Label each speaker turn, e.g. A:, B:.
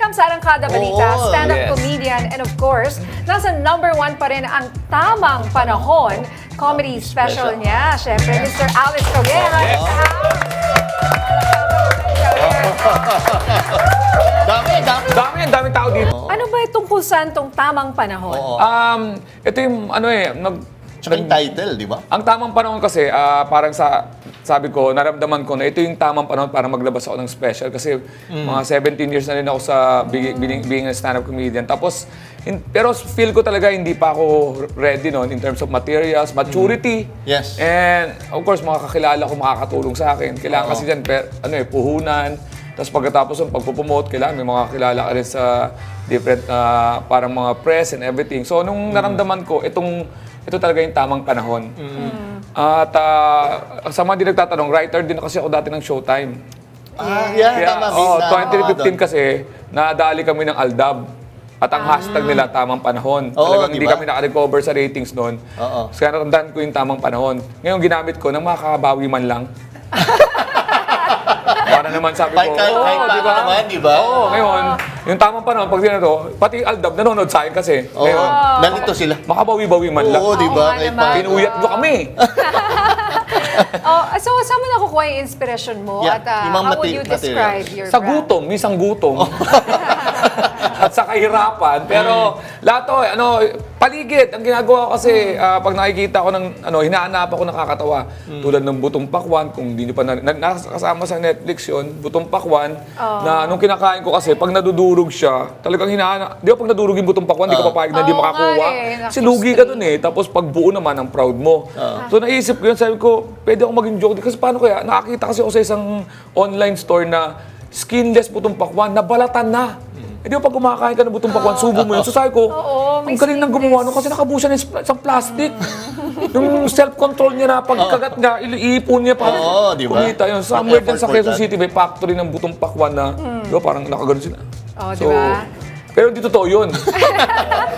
A: program sa Arangkada Balita,
B: Oo,
A: stand-up
C: yes.
A: comedian, and of course, nasa #1 pa rin ang Tamang Panahon comedy special niya. Siyempre, Mr. Alice Cabrera.
C: Daming tao dito.
A: Ano ba itong kung saan tong Tamang Panahon?
B: Oo.
C: Ito yung ano
B: Tsaka yung title, di ba?
C: ang tamang panahon kasi, parang sabi ko, naramdaman ko na ito yung tamang panahon para maglabas ako ng special kasi mga 17 years na rin ako sa being a stand-up comedian. Tapos, pero feel ko talaga hindi pa ako ready noon in terms of materials, maturity.
B: Yes.
C: And of course, mga kakilala ko makakatulong sa akin. Kailangan kasi dyan, puhunan. Tapos pagkatapos ng pagpupromote, kailangan may mga kakilala ka rin sa different, parang mga press and everything. So, nung naramdaman ko, ito talaga yung tamang panahon. At sa mga di nagtatanong, writer din kasi ako dati ng Showtime.
B: Yeah, tama.
C: 2015 kasi, nadali kami ng Aldab. At ang hashtag nila, tamang panahon.
B: Oo,
C: Talagang hindi
B: diba?
C: kami naka-recover sa ratings noon.
B: Oo.
C: Kaya natandaan ko yung tamang panahon. Ngayon, ginamit ko nang makakabawi man lang. Para naman sabi ko,
B: Kahit
C: di ba?
B: naman, di ba?
C: Oo, ngayon, yung tamang panahon, pag to, pati Aldab nanonood sa akin kasi.
B: Oo.
C: Ngayon,
B: Nandito sila.
C: makabawi-bawi man lang.
B: Oo, di ba?
A: Oo nga
B: Kahit
A: naman.
B: pa-
C: Pinuyat nyo kami.
A: So, saan mo nakukuha yung inspiration mo?
B: Yeah,
A: At
B: yung mga
A: how would you describe
B: materials.
A: your
C: Sa
A: brand?
C: gutom, minsan gutom. At sa kahirapan. Pero lahat to, paligid. Ang ginagawa ko kasi, pag nakikita ko ng, hinahanap ako nakakatawa. Tulad ng Butong Pakwan, kung hindi nyo pa nakasama sa Netflix yun, Butong Pakwan, na nung kinakain ko kasi, pag nadudurog siya, talagang hinahanap. Di ba pag nadurog yung Butong Pakwan, di ka papayag na di
A: Oo nga
C: makakuha.
A: eh,
C: Kasi lugi ka dun eh. Tapos pag buo naman, ang proud mo. So naisip ko yun, sabi ko, pwede ako maging joke. Kasi paano kaya? Nakakita kasi ako sa isang online store na skinless Butong Pakwan, nabalatan na. Eh di ba pag kumakain ka ng Butong Pakwan, subo mo yun. So sabi ko,
A: Oo, may
C: ang galing nang gumawa nun kasi nakabusa ng isang plastic. Yung self-control niya na pagkagat niya, iipon niya pa.
B: Oo, di ba?
C: Kumita yun. Somewhere din sa
B: Effort for
C: Quezon
B: that.
C: City, may factory ng Butong Pakwan na, di ba, parang nakagano sila.
A: Oh, di ba?
C: Pero hindi totoo yun.